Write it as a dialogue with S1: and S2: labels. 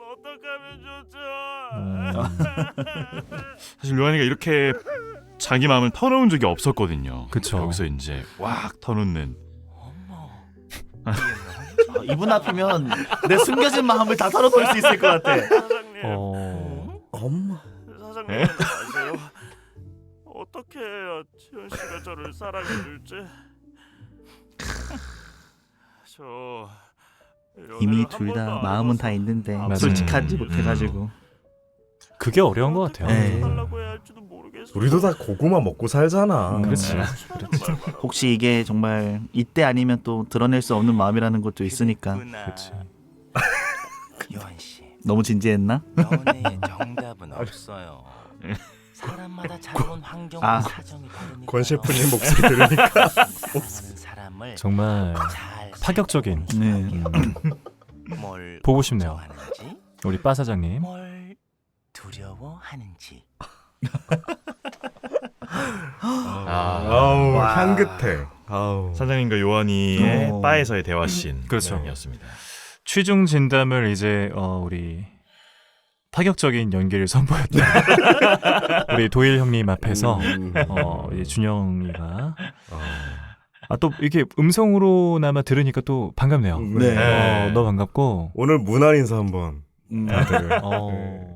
S1: 어떡하면 좋죠?
S2: 사실 요한이가 이렇게 자기 마음을 터놓은 적이 없었거든요.
S3: 그쵸.
S2: 여기서 이제 왁 터놓는.
S4: 이분 앞이면 내 숨겨진 마음을 다 털어놓을 수 있을 것 같아.
S1: 사장님.
S5: 엄마.
S1: 사장님 아세요? 어떻게 해야 지현 씨가 저를 사랑해 줄지? 저
S4: 이미 둘 다 마음은 다 있는데
S3: 맞아요.
S4: 솔직하지 못해가지고.
S3: 그게 어려운 것 같아요.
S4: 네.
S1: 달라고 해야 할지도 모르겠어.
S5: 우리도 다 고구마 먹고 살잖아.
S3: 그렇지.
S4: 혹시 이게 정말 이때 아니면 또 드러낼 수 없는 마음이라는 것도 있으니까.
S3: 그렇지.
S6: 요한 씨,
S4: 너무 진지했나?
S6: 연애의 정답은 없어요. 사람마다 자라온 환경과
S4: 아.
S6: 사정이 다르니까요.
S5: 권 셰프님 목소리 들으니까
S6: 사랑하는 사람을
S3: 정말
S6: 잘
S3: 파격적인.
S4: 네.
S6: 뭘
S3: 보고 싶네요.
S6: 걱정하는지,
S3: 우리 빠 사장님.
S6: 뭘 두려워하는지.
S5: 아우
S4: 와.
S5: 향긋해. 아우.
S2: 사장님과 요한이의
S4: 오.
S2: 바에서의 대화씬.
S3: 그렇죠.
S2: 이었습니다.
S3: 취중 진담을 이제 우리 파격적인 연기를 선보였던 우리 도일 형님 앞에서 이제 준영이가 또 이렇게 음성으로나마 들으니까 또 반갑네요.
S4: 네.
S3: 너무 반갑고
S5: 오늘 문안 인사 한번 다들.
S3: 어,